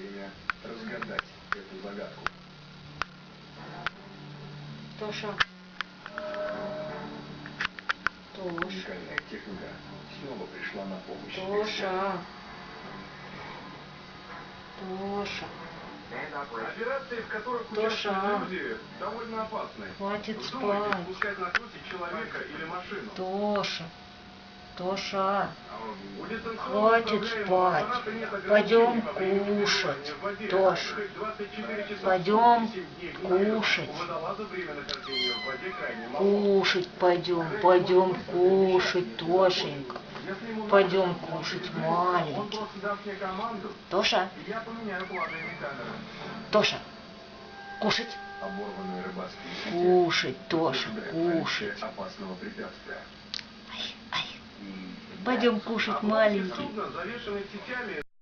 время разгадать эту загадку. Тоша. Уникальная техника снова пришла на помощь. Тоша. Тоша. Операции, в которых Тоша. участвуют люди, довольно опасны. Хватит Вздумайте спать. спускать на крути человека или машину. Тоша. Тоша. У дистанционно Хватит управляемого спать. аппарата нет ограничений Пойдем во времени кушать. пребывания в воде. Тоша. 24 часа Пойдем в сутки, 7 дней в неделю. кушать. У водолаза время нахождения в воде крайне мало. Кушать пойдем. Пойдем кушать, Тошенька. Если ему Пойдем надо, кушать, он маленький. просто даст мне команду, Тоша. и я поменяю положение камеры. Тоша. Кушать. Оборванные рыбацкие сети Кушать, Тоша, позволяют кушать. наличие опасного препятствия. Ай, ай. И Пойдем кушать, маленький. судно, завешенное сетями,